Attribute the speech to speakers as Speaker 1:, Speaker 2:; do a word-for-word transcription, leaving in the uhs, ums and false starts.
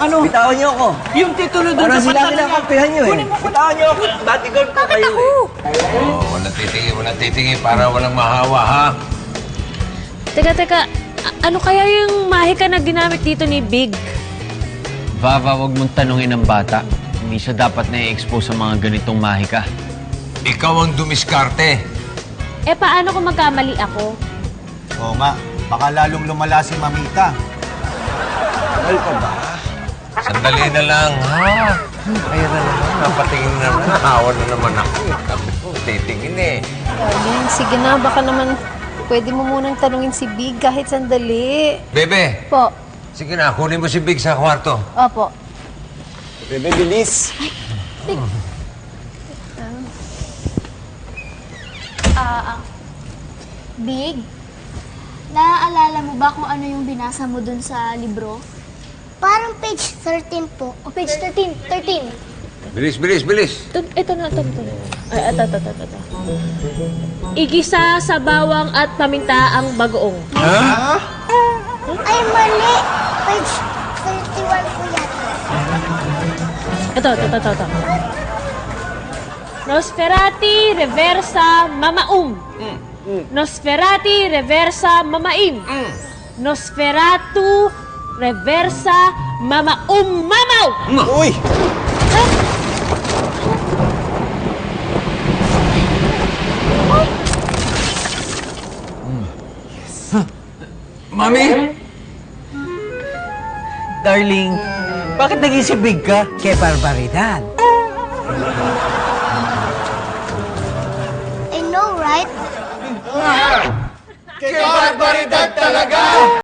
Speaker 1: Ano?
Speaker 2: Bitawan niyo ako.
Speaker 1: Yung titulo doon
Speaker 2: Parang
Speaker 1: sa
Speaker 2: sila
Speaker 1: pantalon niya.
Speaker 2: kinakampihan niyo eh.
Speaker 1: Kunin mo, kunin mo.
Speaker 2: Bitawan niyo ako. Bodyguard ko kayo eh.
Speaker 3: Oh, walang titingi, walang titingi para walang mahawa, ha?
Speaker 4: Teka, teka. A- ano kaya yung mahika na ginamit dito ni Big?
Speaker 5: Vava, wag mong tanungin ang bata. Hindi siya dapat na-expose sa mga ganitong mahika.
Speaker 3: Ikaw ang dumiskarte.
Speaker 4: Eh, paano kung magkamali ako?
Speaker 6: Oo nga, baka lalong lumala si Mamita.
Speaker 2: Mahal pa ba?
Speaker 3: Sandali na lang, ha? Kaya na naman, napatingin na naman. Nahawa na naman ako. Sabi ko, titingin eh.
Speaker 7: Darling, sige na. Baka naman pwede mo munang tanungin si Big kahit sandali.
Speaker 3: Bebe,
Speaker 7: Po.
Speaker 3: sige na, kunin mo si Big sa kwarto.
Speaker 7: Opo.
Speaker 2: Bebe, bilis.
Speaker 8: Ah, ah. Big, naaalala mo ba kung ano yung binasa mo dun sa libro?
Speaker 9: Parang page thirteen po.
Speaker 8: O page thirteen, thirteen.
Speaker 3: Bilis, bilis, bilis.
Speaker 4: Ito, ito na, ito, ito. Ay, ito, ito, ito, ito. Igisa sa bawang at paminta ang bagoong.
Speaker 9: Ay, mali! Page thirty-one po yata.
Speaker 4: Ito, ito, ito, ito, ito. Nosferati reversa mamaum. Nosferati reversa mamaim. Nosferatu reversa mamaum mamaw.
Speaker 2: Uy!
Speaker 3: Mami!
Speaker 1: Darling, bakit naging si Big ka? Kay barbaridad.
Speaker 9: I know, right?
Speaker 6: Kay barbaridad talaga!